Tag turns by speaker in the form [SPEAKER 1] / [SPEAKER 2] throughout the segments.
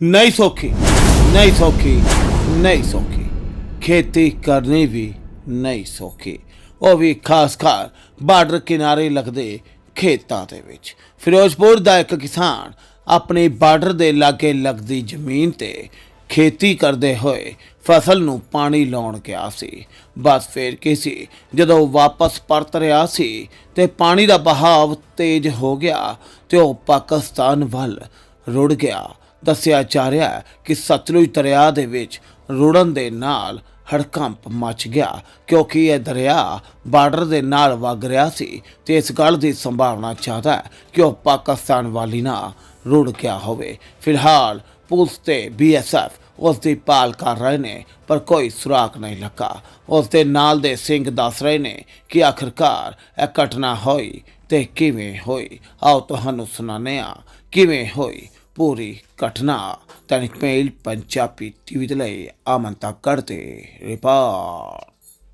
[SPEAKER 1] नहीं सौखी, नहीं सौखी, नहीं सौखी। खेती करनी भी नहीं सौखी, ਉਹ ਵੀ ਖਾਸ ਕਰ ਬਾਰਡਰ ਕਿਨਾਰੇ ਲੱਗਦੇ ਖੇਤਾਂ ਦੇ ਵਿੱਚ। ਫਿਰੋਜ਼ਪੁਰ ਦਾ ਇੱਕ ਕਿਸਾਨ ਆਪਣੀ ਬਾਰਡਰ ਦੇ ਲਾਗੇ ਲੱਗਦੀ ਜ਼ਮੀਨ ਤੇ ਖੇਤੀ ਕਰਦੇ ਹੋਏ ਫਸਲ ਨੂੰ ਪਾਣੀ ਲਾਉਣ ਗਿਆ ਸੀ। ਬਸ ਫੇਰ ਕੀ ਸੀ, ਜਦੋਂ ਵਾਪਸ ਪਰਤ ਰਿਹਾ ਸੀ ਤੇ ਪਾਣੀ ਦਾ ਬਹਾਵ ਤੇਜ਼ ਹੋ ਗਿਆ ਤੇ ਉਹ ਪਾਕਿਸਤਾਨ ਵੱਲ ਰੁੜ ਗਿਆ। ਦੱਸਿਆ ਜਾ ਰਿਹਾ ਹੈ ਕਿ ਸਤਲੁਜ ਦਰਿਆ ਦੇ ਵਿੱਚ ਰੁੜਨ ਦੇ ਨਾਲ ਹੜਕੰਪ ਮਚ ਗਿਆ, ਕਿਉਂਕਿ ਇਹ ਦਰਿਆ ਬਾਰਡਰ ਦੇ ਨਾਲ ਵਗ ਰਿਹਾ ਸੀ ਤੇ ਇਸ ਗੱਲ ਦੀ ਸੰਭਾਵਨਾ ਜ਼ਿਆਦਾ ਹੈ ਕਿ ਉਹ ਪਾਕਿਸਤਾਨ ਵਾਲੀ ਨਾ ਰੁੜ ਗਿਆ ਹੋਵੇ। ਫਿਲਹਾਲ ਪੁਲਿਸ ਤੇ BSF ਉਸ ਦੀ ਭਾਲ ਕਰ ਰਹੇ ਨੇ, ਪਰ ਕੋਈ ਸੁਰਾਗ ਨਹੀਂ ਲੱਗਾ। ਉਸ ਦੇ ਨਾਲ ਦੇ ਸਿੰਘ ਦੱਸ ਰਹੇ ਨੇ ਕਿ ਆਖਿਰਕਾਰ ਇਹ ਘਟਨਾ ਹੋਈ ਤੇ ਕਿਵੇਂ ਹੋਈ। ਆਓ ਤੁਹਾਨੂੰ ਸੁਣਾਉਂਦੇ ਹਾਂ ਕਿਵੇਂ ਹੋਈ ਪੂਰੀ ਘਟਨਾ। दैनिक मेल पंजाबी टीवी ਦੇ ਲਈ ਅਮਨ ਤੱਕੜ ਤੇ ਰਿਪੋਰਟ।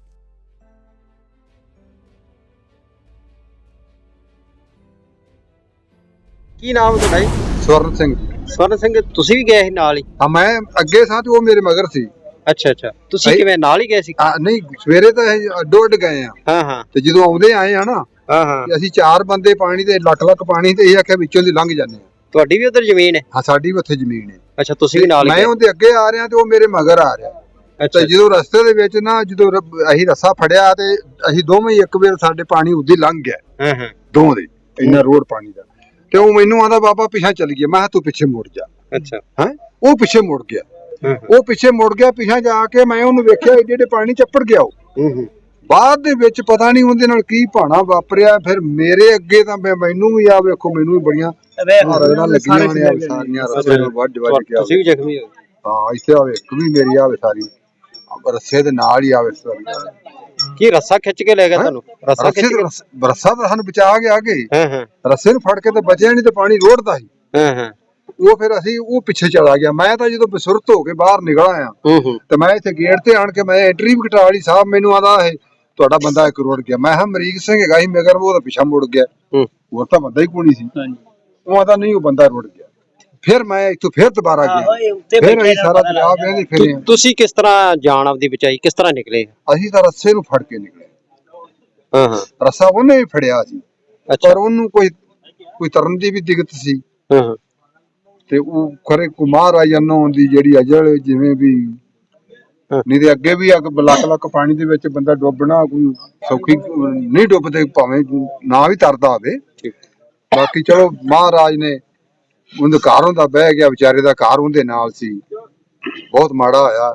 [SPEAKER 2] ਕੀ ਨਾਮ ਹੈ ਤੁਹਾਡਾ ਜੀ?
[SPEAKER 3] ਸਵਰਨ ਸਿੰਘ।
[SPEAKER 2] ਸਵਰਨ ਸਿੰਘ, ਤੁਸੀਂ ਵੀ ਗਏ ਸੀ ਨਾਲ ਹੀ?
[SPEAKER 3] ਹਾਂ, ਮੈਂ ਅੱਗੇ ਸਾਂ ਤੇ ਉਹ ਮੇਰੇ ਮਗਰ ਸੀ।
[SPEAKER 2] ਅੱਛਾ ਅੱਛਾ, ਤੁਸੀਂ ਕਿਵੇਂ ਨਾਲ ਹੀ ਗਏ ਸੀ?
[SPEAKER 3] ਨਹੀਂ, ਸਵੇਰੇ ਤਾਂ ਅਸੀਂ ਅੱਡੋ-ਅੱਡ ਗਏ ਆ।
[SPEAKER 2] ਹਾਂ ਹਾਂ।
[SPEAKER 3] ਤੇ ਜਦੋਂ ਆਉਂਦੇ ਆਏ ਆ ਨਾ,
[SPEAKER 2] ਹਾਂ ਹਾਂ,
[SPEAKER 3] ਤੇ ਅਸੀਂ 4 ਬੰਦੇ ਪਾਣੀ ਤੇ ਲੱਖ ਪਾਣੀ ਤੇ ਇਹ ਆਖਿਆ ਵਿੱਚੋਂ ਦੀ ਲੰਘ ਜਾਂਦੇ ਆ।
[SPEAKER 2] ਤੁਹਾਡੀ ਵੀ ਉਧਰ ਜ਼ਮੀਨ ਹੈ?
[SPEAKER 3] ਹਾਂ, ਸਾਡੀ ਵੀ ਉੱਥੇ ਜ਼ਮੀਨ ਹੈ।
[SPEAKER 2] ਅੱਛਾ, ਤੁਸੀਂ ਵੀ ਨਾਲ
[SPEAKER 3] ਮੈਂ
[SPEAKER 2] ਗਏ?
[SPEAKER 3] ਉਹਦੇ ਅੱਗੇ ਆ ਰਿਹਾ ਤੇ ਉਹ ਮੇਰੇ ਮਗਰ ਆ ਰਿਹਾ।
[SPEAKER 2] ਅੱਛਾ,
[SPEAKER 3] ਤੇ ਜਦੋਂ ਰਸਤੇ ਦੇ ਵਿੱਚ ਨਾ, ਜਦੋਂ ਅਸੀਂ ਰੱਸਾ ਫੜਿਆ ਤੇ ਅਸੀਂ ਦੋਵੇਂ ਹੀ ਇੱਕ ਵੇਰ ਸਾਡੇ ਪਾਣੀ ਉਦੀ ਲੰਘ ਗਿਆ।
[SPEAKER 2] ਹਾਂ ਹਾਂ,
[SPEAKER 3] ਦੋਵਾਂ ਦੇ ਇੰਨਾ ਰੋਡ ਪਾਣੀ ਦਾ। ਤੇ ਉਹ ਮੈਨੂੰ ਆਂਦਾ ਬਾਬਾ ਪਿੱਛਾ ਚੱਲ ਗਿਆ। ਮੈਂ ਕਿਹਾ ਤੂੰ ਪਿੱਛੇ ਮੁੜ ਜਾ।
[SPEAKER 2] ਅੱਛਾ।
[SPEAKER 3] ਹਾਂ, ਉਹ ਪਿੱਛੇ ਮੁੜ ਗਿਆ।
[SPEAKER 2] ਹਾਂ
[SPEAKER 3] ਉਹ ਪਿੱਛੇ ਮੁੜ ਗਿਆ। ਪਿੱਛਾ ਜਾ ਕੇ ਮੈਂ ਉਹਨੂੰ ਵੇਖਿਆ ਏਡੇ ਪਾਣੀ ਚੱਪੜ ਗਿਆ ਉਹ।
[SPEAKER 2] ਹੂੰ ਹੂੰ।
[SPEAKER 3] ਬਾਅਦ ਦੇ ਵਿੱਚ ਪਤਾ ਨਹੀਂ ਉਹਦੇ ਨਾਲ ਕੀ ਭਾਣਾ ਵਾਪਰਿਆ। ਫਿਰ ਮੇਰੇ ਅੱਗੇ ਤਾਂ ਮੈਨੂੰ ਵੀ ਆ ਵੇਖੋ, ਮੈਨੂੰ ਵੀ ਬੜੀਆਂ ਰਗੜਾਂ ਲੱਗੀਆਂ ਨੇ ਸਾਰੀਆਂ, ਰਸੇ ਨਾਲ ਵੱਢ ਗਿਆ।
[SPEAKER 2] ਤੁਸੀਂ ਵੀ ਜ਼ਖਮੀ ਹੋ?
[SPEAKER 3] ਹਾਂ, ਇੱਥੇ ਆਵੇ ਇੱਕ ਵੀ ਮੇਰੀ ਆਵੇ ਸਾਰੀ ਰੱਸੇ ਦੇ ਨਾਲ ਹੀ ਆਵੇ ਸਾਰੀ।
[SPEAKER 2] ਕੀ ਰੱਸਾ ਖਿੱਚ ਕੇ ਲੈ ਗਿਆ ਤੁਹਾਨੂੰ? ਰੱਸਾ ਖਿੱਚ ਕੇ?
[SPEAKER 3] ਰੱਸਾ ਤਾਂ ਸਾਨੂੰ ਬਚਾ ਕੇ ਆ ਗਏ।
[SPEAKER 2] ਹਾਂ ਹਾਂ।
[SPEAKER 3] ਰੱਸੇ ਨੂੰ ਫੜ ਕੇ ਤਾਂ ਬਚਿਆ ਨਹੀਂ ਤੇ ਪਾਣੀ ਰੋੜਦਾ ਸੀ।
[SPEAKER 2] ਹਾਂ ਹਾਂ।
[SPEAKER 3] ਉਹ ਫਿਰ ਅਸੀਂ ਉਹ ਪਿੱਛੇ ਚਲਾ ਗਿਆ। ਮੈਂ ਤਾਂ ਜਦੋਂ ਬਸੁਰਤ ਹੋ ਕੇ ਬਾਹਰ ਨਿਕਲ ਆਇਆ
[SPEAKER 2] ਹੂੰ ਹੂੰ।
[SPEAKER 3] ਤੇ ਮੈਂ ਇੱਥੇ ਗੇਟ ਤੇ ਆਣ ਕੇ ਮੈਂ ਐਂਟਰੀ ਵੀ ਕਟਾ ਲਈ। ਸਾਹਿਬ ਮੈਨੂੰ ਆਦਾ ਇਹ ਤੁਹਾਡਾ ਬੰਦਾ ਇੱਕ ਰੋੜ ਗਿਆ। ਮੈਂ ਕਿਹਾ ਅਮਰੀਕ ਸਿੰਘ ਹੈਗਾ ਸੀ ਮਗਰ, ਉਹ ਤਾਂ ਪਿੱਛਾ ਮੁੜ ਗਿਆ। ਹੋਰ ਤਾਂ ਬੰਦਾ ਹੀ ਕੋਣੀ ਸੀ। ਉਹ ਆਦਾ ਨਹੀਂ, ਉਹ ਬੰਦਾ ਰੁੜ ਗਿਆ। ਫਿਰ ਮੈਂ ਇੱਥੋਂ ਫਿਰ ਦੁਬਾਰਾ ਗਿਆ। ਫਿਰ ਅਸੀਂ ਸਾਰਾ ਦਰਿਆ ਵੇਂਦੇ ਫਿਰੇ।
[SPEAKER 2] ਤੁਸੀਂ ਕਿਸ ਤਰ੍ਹਾਂ ਜਾਨ ਆਪਦੀ ਬਚਾਈ? ਕਿਸ ਤਰ੍ਹਾਂ ਨਿਕਲੇ?
[SPEAKER 3] ਅਸੀਂ ਤਾਂ ਰੱਸੇ ਨੂੰ ਫੜ ਕੇ ਨਿਕਲੇ।
[SPEAKER 2] ਹਾਂ ਹਾਂ।
[SPEAKER 3] ਰੱਸਾ ਉਹਨੇ ਵੀ ਫੜਿਆ ਸੀ,
[SPEAKER 2] ਅੱਛਾ।
[SPEAKER 3] ਪਰ ਉਹਨੂੰ ਕੋਈ ਤਰਨ ਦੀ ਵੀ ਦਿੱਕਤ ਸੀ।
[SPEAKER 2] ਹਾਂ ਹਾਂ।
[SPEAKER 3] ਤੇ ਉਹ ਖਰੇ ਕੁਮਾਰ ਆਈ ਜਨੋਂ ਦੀ ਜਿਹੜੀ ਅਜਲ ਜਿਵੇਂ ਵੀ, ਨਹੀਂ ਤੇ ਅੱਗੇ ਵੀ ਲੱਖ ਪਾਣੀ ਦੇ ਵਿੱਚ ਬੰਦਾ ਡੁੱਬਣਾ ਕੋਈ ਸੌਖੀ ਨਹੀਂ। ਡੁੱਬਦੇ ਭਾਵੇਂ ਨਾ ਵੀ ਤਰਦਾ ਹੋਵੇ। ਬਾਕੀ ਚਲੋ ਮਹਾਰਾਜ ਨੇ ਉਹਦੇ ਘਰ ਹੁੰਦਾ ਬਹਿ ਗਿਆ। ਵਿਚਾਰੇ ਦਾ ਘਰ ਉਹਦੇ ਨਾਲ ਸੀ। ਬਹੁਤ ਮਾੜਾ ਹੋਇਆ।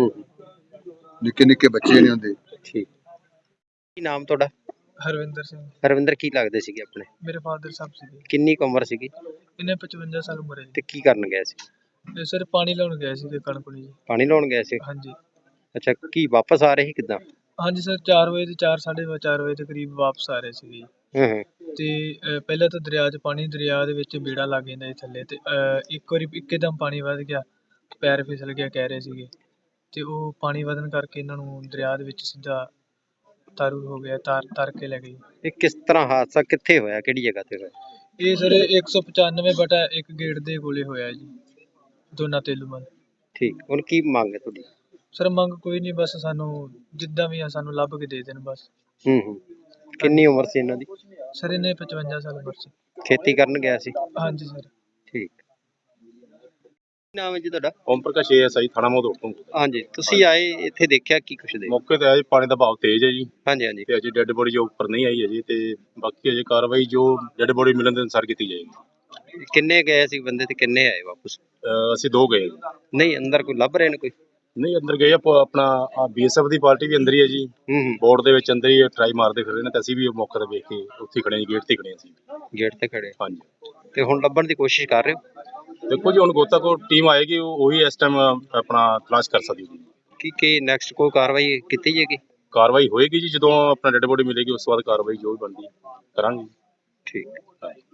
[SPEAKER 3] ਨਿੱਕੇ ਨਿੱਕੇ ਬੱਚੇ ਨੇ ਉਹਦੇ।
[SPEAKER 2] ਠੀਕ। ਕੀ ਨਾਮ ਤੁਹਾਡਾ?
[SPEAKER 4] ਹਰਵਿੰਦਰ ਸਿੰਘ।
[SPEAKER 2] ਹਰਵਿੰਦਰ, ਕੀ ਲੱਗਦੇ ਸੀਗੇ ਆਪਣੇ?
[SPEAKER 4] ਮੇਰੇ ਫਾਦਰ ਸਾਹਿਬ ਸੀਗੇ।
[SPEAKER 2] ਕਿੰਨੀ ਕੁ ਉਮਰ ਸੀਗੀ?
[SPEAKER 4] ਇਹਨੇ 55 ਸਾਲ ਉਮਰ ਹੈ ਜੀ।
[SPEAKER 2] ਤੇ ਕੀ ਕਰਨ ਗਏ ਸੀ?
[SPEAKER 4] ਇਹ ਸਰ ਪਾਣੀ ਲਾਉਣ ਗਏ ਸੀ ਕਣਕ ਨੂੰ ਜੀ।
[SPEAKER 2] ਪਾਣੀ ਲਾਉਣ ਗਏ ਸੀ?
[SPEAKER 4] ਹਾਂਜੀ।
[SPEAKER 2] ਅੱਛਾ, ਕੀ ਵਾਪਸ ਆ ਰਹੇ ਸੀ ਕਿੱਦਾਂ?
[SPEAKER 4] ਹਾਂਜੀ ਸਰ, 4 ਵਜੇ ਤੇ 4:30 ਵਜੇ ਦੇ ਕਰੀਬ ਵਾਪਸ ਆ ਰਹੇ ਸੀਗੇ ਜੀ।
[SPEAKER 2] ਹੂੰ ਹੂੰ।
[SPEAKER 4] ਤੇ ਪਹਿਲਾਂ ਤਾਂ ਦਰਿਆ 'ਚ ਪਾਣੀ, ਦਰਿਆ ਦੇ ਵਿੱਚ ਬੇੜਾ ਲੱਗ ਜਾਂਦਾ ਜੀ ਥੱਲੇ। ਤੇ ਇੱਕ ਵਾਰੀ ਇੱਕਦਮ ਪਾਣੀ ਵੱਧ ਗਿਆ, ਪੈਰ ਫਿਸਲ ਗਿਆ ਕਹਿ ਰਹੇ ਸੀਗੇ। ਤੇ ਉਹ ਪਾਣੀ ਵਧਣ ਕਰਕੇ ਇਹਨਾਂ ਨੂੰ ਦਰਿਆ ਦੇ ਵਿੱਚ ਸਿੱਧਾ ਤਾਰੂ ਹੋ ਗਿਆ, ਤਰ ਕੇ ਲੈ ਗਈ।
[SPEAKER 2] ਇਹ ਕਿਸ ਤਰ੍ਹਾਂ ਹਾਦਸਾ ਕਿੱਥੇ ਹੋਇਆ? ਕਿਹੜੀ ਜਗ੍ਹਾ ਤੇ ਹੋਇਆ?
[SPEAKER 4] ਇਹ ਸਰ 195/1 ਗੇਟ ਦੇ ਕੋਲੇ ਹੋਇਆ ਜੀ, ਦੋਨਾ ਤੇਲੂਮਲ।
[SPEAKER 2] ਠੀਕ। ਹੁਣ ਕੀ ਮੰਗ ਹੈ ਤੁਹਾਡੀ?
[SPEAKER 4] ਸਰ ਮੰਗ ਕੋਈ ਨਹੀਂ, ਬਸ ਸਾਨੂੰ ਜਿੱਦਾਂ ਵੀ ਆ ਸਾਨੂੰ ਲੱਭ ਕੇ ਦੇ ਦੇਣ ਬਸ।
[SPEAKER 2] ਹੂੰ ਹੂੰ। ਕਿੰਨੀ ਉਮਰ ਸੀ ਇਹਨਾਂ ਦੀ?
[SPEAKER 4] ਸਰ ਇਹਨੇ 55 ਸਾਲ ਉਮਰ ਸੀ।
[SPEAKER 2] ਖੇਤੀ ਕਰਨ ਗਿਆ ਸੀ?
[SPEAKER 4] ਹਾਂਜੀ ਸਰ।
[SPEAKER 2] ਠੀਕ। ਕੀ ਨਾਮ ਹੈ ਜੀ ਤੁਹਾਡਾ?
[SPEAKER 5] ਓਮ ਪ੍ਰਕਾਸ਼ ASI ਥਾਣਾ ਮੋਦੋੜ ਤੋਂ।
[SPEAKER 2] ਹਾਂਜੀ, ਤੁਸੀਂ ਆਏ ਇੱਥੇ, ਦੇਖਿਆ ਕੀ ਕੁਛ ਦੇ?
[SPEAKER 5] ਮੌਕੇ ਤੇ ਆਏ, ਪਾਣੀ ਦਾ ਬਹਾਅ ਤੇਜ਼ ਹੈ ਜੀ।
[SPEAKER 2] ਹਾਂਜੀ ਹਾਂਜੀ।
[SPEAKER 5] ਤੇ ਅਜੇ ਡੈੱਡ ਬੋਡੀ ਜੋ ਉੱਪਰ ਨਹੀਂ ਆਈ ਅਜੇ, ਤੇ ਬਾਕੀ ਅਜੇ ਕਾਰਵਾਈ ਜੋ ਡੈੱਡ ਬੋਡੀ ਮਿਲਣ ਦੇ ਅਨੁਸਾਰ ਕੀਤੀ ਜਾਏਗੀ।
[SPEAKER 2] ਕਿੰਨੇ ਗਏ ਸੀ ਬੰਦੇ ਤੇ ਕਿੰਨੇ ਆਏ ਵਾਪਸ?
[SPEAKER 5] ਅਸੀਂ 2 ਗਏ ਜੀ।
[SPEAKER 2] ਨਹੀਂ, ਅੰਦਰ ਕੋਈ ਲੱਭ ਰਹੇ ਨੇ ਕੋਈ?
[SPEAKER 5] ਨਹੀਂ, ਅੰਦਰ ਗਏ ਆਪਣਾ BSF ਦੀ ਪਾਰਟੀ ਵੀ ਅੰਦਰ ਹੀ ਹੈ ਜੀ।
[SPEAKER 2] ਹੂੰ ਹੂੰ।
[SPEAKER 5] ਬੋਰਡ ਦੇ ਵਿੱਚ ਅੰਦਰ ਹੀ ਟਰਾਈ ਮਾਰਦੇ ਫਿਰ ਰਹੇ ਨੇ, ਤੇ ਅਸੀਂ ਵੀ ਮੌਕੇ ਤੇ ਵੇਖ ਕੇ ਉੱਥੇ ਖੜੇ ਜੀ, ਗੇਟ ਤੇ ਖੜੇ ਅਸੀਂ।
[SPEAKER 2] ਗੇਟ ਤੇ ਖੜੇ?
[SPEAKER 5] ਹਾਂਜੀ।
[SPEAKER 2] ਤੇ ਹੁਣ ਲੱਭਣ ਦੀ ਕੋਸ਼ਿਸ਼ ਕਰ ਰਹੇ ਹੋ?
[SPEAKER 5] ਦੇਖੋ ਜੀ, ਹੁਣ ਗੋਤਾਖੋਰ ਟੀਮ ਆਏਗੀ, ਉਹੀ ਇਸ ਟਾਈਮ ਆਪਣਾ ਤਲਾਸ਼ ਕਰ ਸਕਦੀ ਜੀ।
[SPEAKER 2] ਕੀ ਨੈਕਸਟ ਕੋਈ ਕਾਰਵਾਈ ਕੀਤੀ ਜਾਏਗੀ?
[SPEAKER 5] ਕਾਰਵਾਈ ਹੋਏਗੀ ਜੀ, ਜਦੋਂ ਆਪਣਾ ਡੈੱਡ ਬੋਡੀ ਮਿਲੇਗੀ ਉਸ ਤੋਂ ਬਾਅਦ ਕਾਰਵਾਈ ਜੋ ਵੀ ਬਣਦੀ ਕਰਾਂਗੇ।
[SPEAKER 2] ਠੀਕ।